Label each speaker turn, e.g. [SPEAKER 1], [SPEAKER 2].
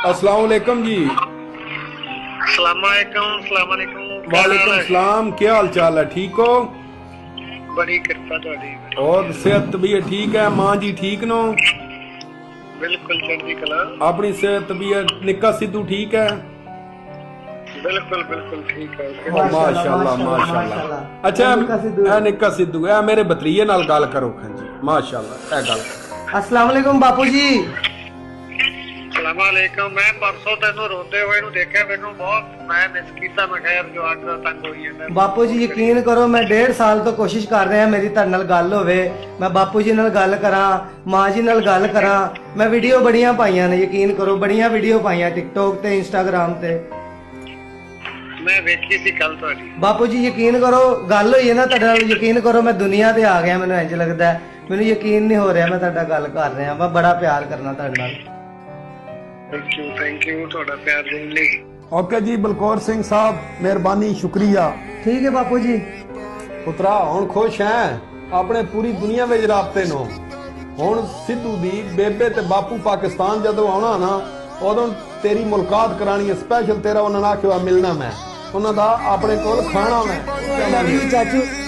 [SPEAKER 1] अस्सलाम वालेकुम जी। वालेकुम सलाम। क्या हाल चाल है? ठीक हो?
[SPEAKER 2] बड़ी कृपा थोड़ी।
[SPEAKER 1] और सेहत तबीयत ठीक है? मां जी ठीक नो?
[SPEAKER 2] बिल्कुल चढ़ती कला।
[SPEAKER 1] अपनी सेहत तबीयत निक्का सिद्धू ठीक है?
[SPEAKER 2] बिल्कुल बिल्कुल ठीक है।
[SPEAKER 1] माशाल्लाह माशाल्लाह। अच्छा ए निक्का सिद्धू ए मेरे भतरीए नाल गल करो। हां जी माशाल्लाह ए गल।
[SPEAKER 3] अस्सलाम वालेकुम बापू जी।
[SPEAKER 2] सलामकुम। मैं परसों तेनू रोंदे हुए नु देखा, मेनू बहुत मैं मिस कीता। मैं खैर जो आज तंग होई है
[SPEAKER 3] बापू जी यकीन करो मैं 1.5 साल तो कोशिश कर रहा मेरी ਤੁਹਾਡੇ ਨਾਲ ਗੱਲ ਹੋਵੇ, मैं बापू जी ਨਾਲ ਗੱਲ ਕਰਾਂ, ਮਾਂ ਜੀ ਨਾਲ ਗੱਲ ਕਰਾਂ। मैं ਵੀਡੀਓ ਬੜੀਆਂ ਪਾਈਆਂ ਨੇ, ਯਕੀਨ ਕਰੋ ਬੜੀਆਂ ਵੀਡੀਓ ਪਾਈਆਂ ਟਿਕਟੋਕ ਤੇ ਇੰਸਟਾਗ੍ਰਾਮ ਤੇ।
[SPEAKER 2] मैं ਵੇਖੀ ਸੀ ਕੱਲ ਤੁਹਾਡੀ।
[SPEAKER 3] ਬਾਪੂ ਜੀ ਯਕੀਨ ਕਰੋ ਗੱਲ ਹੋਈ ਹੈ ਨਾ ਤੁਹਾਡੇ ਨਾਲ, ਯਕੀਨ ਕਰੋ ਮੈਂ ਦੁਨੀਆ ਤੇ ਆ ਗਿਆ। ਮੈਨੂੰ ਇੰਜ ਲੱਗਦਾ, ਮੈਨੂੰ ਯਕੀਨ ਨਹੀਂ ਹੋ ਰਿਹਾ ਮੈਂ ਤੁਹਾਡਾ ਗੱਲ ਕਰ ਰਿਹਾ। ਮੈਂ ਬੜਾ ਪਿਆਰ ਕਰਨਾ ਤੁਹਾਡੇ ਨਾਲ।
[SPEAKER 2] थैंक यू ਤੁਹਾਡਾ ਪਿਆਰ ਦੇਣ ਲਈ।
[SPEAKER 1] ओके जी बलकौर सिंह साहब मेहरबानी शुक्रिया।
[SPEAKER 3] ठीक है बापू जी।
[SPEAKER 1] पुत्रा हुण खुश है अपने पूरी दुनिया में राबते नो। हुण सिद्धू दी बेबे ते बापू पाकिस्तान जदों आउणा ना उदों तेरी मुलाकात करानी है स्पेशल। तेरा उन्होंने आख्या मिलना मैं उन्होंने अपने कोल खाना मैं।
[SPEAKER 3] चाचू